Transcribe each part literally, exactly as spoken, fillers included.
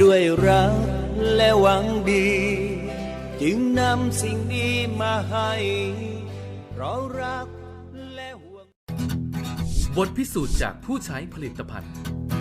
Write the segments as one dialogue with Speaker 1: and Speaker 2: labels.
Speaker 1: ด้วยรักและหวังดีจึงนำสิ่งดีมาให้เพราะรักและห่วง
Speaker 2: บทพิสูจน์จากผู้ใช้ผลิตภัณฑ์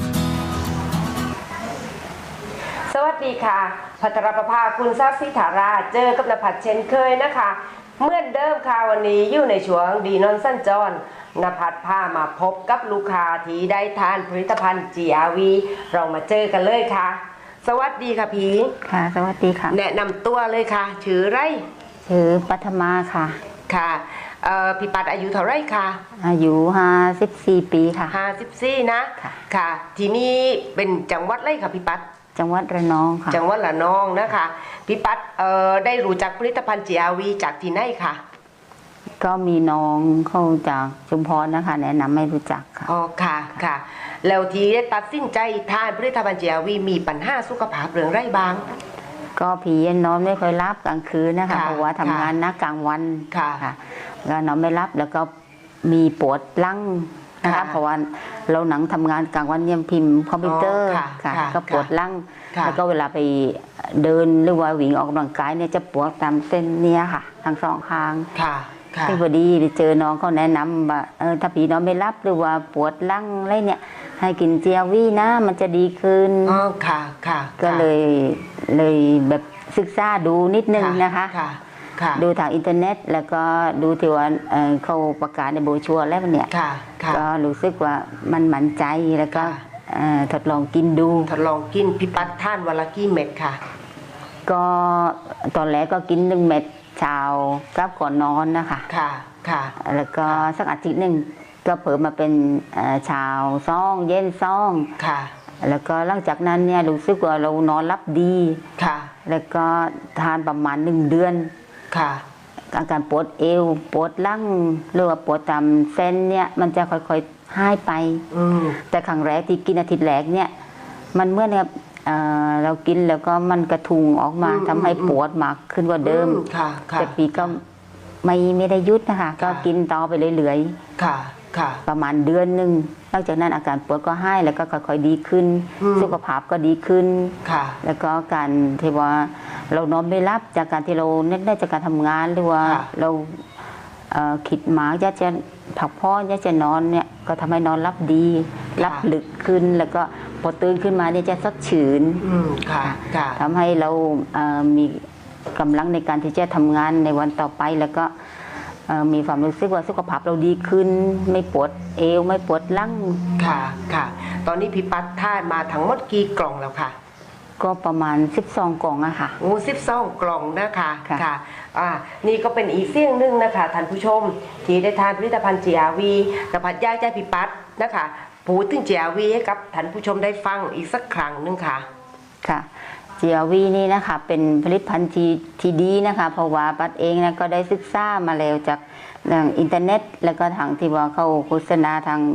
Speaker 3: สวัสดีค่ะภัทรประภาคุณทรัพย์สิทธาราเจอกับนภัทรเช่นเคยนะคะเมื่อเดิมค่ะวันนี้อยู่ในช่วงดีนอนสั้นจรนภัทรพามาพบกับลูกค้าที่ได้ทานผลิตภัณฑ์ จี อาร์ วี เรามาเจอกันเลยค่ะสวัสดีค่ะพี่
Speaker 4: ค่ะสวัสดีค่ะ
Speaker 3: แนะนำตัวเลยค่ะชื่อไร
Speaker 4: ชื่อปัทมาค่ะ
Speaker 3: ค่ะพี่ปัดอายุเท่าไรคะ
Speaker 4: อายุห้าสิบสี่ปีค่ะ
Speaker 3: ห้าสิบสี่นะค่ะค่ะที่นี่เป็นจังหวัดไรค่ะพี่ปัด
Speaker 4: จังหวัดระนองค่ะ
Speaker 3: จังหวัดระนองนะคะพี่ปัดได้รู้จักผลิตภัณฑ์ จี อาร์ วี จากที่ไหนคะ
Speaker 4: ก็มีน้องเข้าจากชุมพรนะคะแนะนำให้รู้จักค่ะ
Speaker 3: อ๋อค่ะค่ะแล้วที่ได้ตัดสินใจทานผลิตภัณฑ์ จี อาร์ วี มีปัญหาสุขภาพเรื่องไรบ้าง
Speaker 4: ก็ผีนอนไม่ค่อยรับกลางคืนนะคะเพราะว่าทำงานนักกลางวัน
Speaker 3: ค่ะ
Speaker 4: ก็นอนไม่รับแล้วก็มีปวดหลังนะคะเพราะว่าเราหนังทำงานกลางวันเนี่ยพิมพ์คอมพิวเตอร์ค่ะก็ปวดหลังแล้วก็เวลาไปเดินหรือว่าวิ่งออกกำลังกายเนี่ยจะปวดตามเส้นเนี่ยค่ะทั้งสองข้างที่พอดีไปเจอน้องเขาแนะนำว่าเออถ้าผีนอนไม่รับหรือว่าปวดหลังอะไรเนี่ยให้กิน จี อาร์ วี นะมันจะดีขึ้น
Speaker 3: อ๋อค่ะค่ะ
Speaker 4: ก็เลยเลยแบบศึกษาดูนิดนึงนะคะดูทางอินเทอร์เน็ตแล้วก็ดูที่ว่าเขาประกาศในโบรชัวร์แล้วเนี่ยก็รู้สึกว่ามันหมั่นใจแล้วก็ทดลองกินดู
Speaker 3: ทดลองกินพี่ปัดท่านวันละกี่เม็ดค่ะ
Speaker 4: ก็ตอนแรกก็กินหนึ่งเม็ดเช้ากับก่อนนอนนะคะ
Speaker 3: ค่ะค่ะ
Speaker 4: แล้วก็สักอาทิตย์หนึ่งก็เพิ่มมาเป็นเช้าซ่องเย็นซ่อง
Speaker 3: ค่ะ
Speaker 4: แล้วก็หลังจากนั้นเนี่ยรู้สึกว่าเรานอนรับดี
Speaker 3: ค่ะ
Speaker 4: แล้วก็ทานประมาณหนึ่งเดือน
Speaker 3: ค่ะ
Speaker 4: อาการปวดเอวปวดหลังหรือว่าปวดตามเส้นเนี่ยมันจะค่อยๆหายไปแต่ครั้งแรกที่กินอาทิตย์แรกเนี่ยมันเมื่อเนี่ยเรากินแล้วก็มันกระทุงออกมาทำให้ปวดมากขึ้นกว่าเดิมแต่ปีก็ไม่ไม่ได้ยุดนะคะก็กินต่อไปเรื่อยๆประมาณเดือนหนึ่งหลังจากนั้นอาการปวดก็หายแล้วก็ค่อยๆดีขึ้นสุขภาพก็ดีขึ้นแล้วก็การที่ว่าเรานอนไม่รับจากการที่เราเน้นได้จากการทำงานหรือว่าเราคิดมากอยากจะผักพ่ออยากจะนอนเนี่ยก็ทำให้นอนรับดีรับลึกขึ้นแล้วก็พอตื่นขึ้นมาเนี่ยจะสดชื่นทำให้เรามีกำลังในการที่จะทำงานในวันต่อไปแล้วก็มีความรู้สึกว่าสุขภาพเราดีขึ้นไม่ปวดเอวไม่ปวดหลัง
Speaker 3: ค่ะค่ะตอนนี้พี่ปัดทานมาทั้งหมดกี่กล่องแล้วค่ะ
Speaker 4: ก็ประมาณสิบสองกล่องอะค่ะ
Speaker 3: โอ้สิบสองกล่องนะคะค่ะอ่านี่ก็เป็นอีกเสี่ยงหนึ่งนะคะท่านผู้ชมที่ได้ทานผลิตภัณฑ์ จี อาร์ วี นภัทรอยากจะพี่ปัดนะคะพูดถึง จี อาร์ วี ให้กับท่านผู้ชมได้ฟังอีกสักครั้งนึงค่ะ
Speaker 4: ค่ะ จี อาร์ วี นี่นะคะเป็นผลิตภัณฑ์ที่ที่ดีนะคะเพราะว่าปัดเองนะก็ได้ศึกษามาแล้วจากทางอินเทอร์เน็ตแล้วก็ทางที่ว่าเขาโฆษณาทาง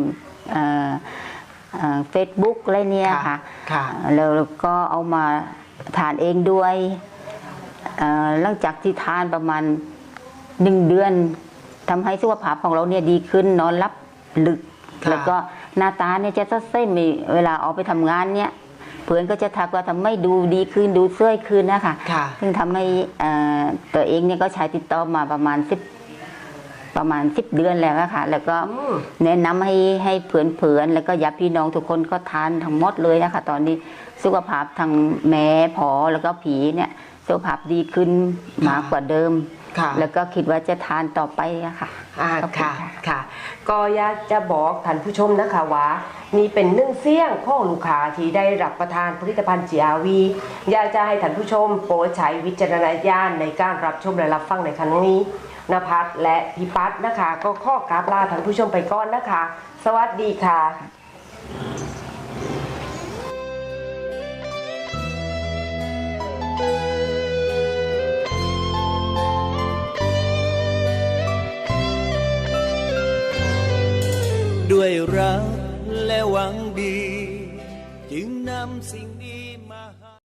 Speaker 4: เฟซบุ๊กอะไรเนี่ยค่ะแล้วก็เอามาทานเองด้วยหลังจากที่ทานประมาณหนึ่งเดือนทำให้สุขภาพของเราเนี่ยดีขึ้นนอนหลับลึกแล้วก็หน้าตาเนี่ยจะสดใสมีเวลาออกไปทำงานเนี่ยเพื่อนก็จะทักว่าทำให้ดูดีขึ้นดูสวยขึ้นนะคะซึ่งทำให้ตัวเองเนี่ยก็ใช้ติดต่อมาประมาณสิบประมาณสิบเดือนแล้วค่ะแล้วก็แนะนำให้ให้เพื่อนๆแล้วก็ญาติพี่น้องทุกคนก็ทานทั้งหมดเลยนะคะตอนนี้สุขภาพทางแม่ผอแล้วก็ผีเนี่ยสุขภาพดีขึ้นมากกว่าเดิมแล้วก็คิดว่าจะทานต่อไปอะค่ะ
Speaker 3: ค่ะค่ะก็อยากจะบอกท่านผู้ชมนะคะว่านี่เป็นหนึ่งเสี่ยงของลูกค้าที่ได้รับประทานผลิตภัณฑ์ จี อาร์ วี อยากจะให้ท่านผู้ชมโปรดใช้วิจารณญาณในการรับชมและรับฟังในครั้งนี้นภัทรและพี่ปัดนะคะก็ข้อกราบลาท่านผู้ชมไปก่อนนะคะสวัสดีค่ะ
Speaker 1: ด้วยรัก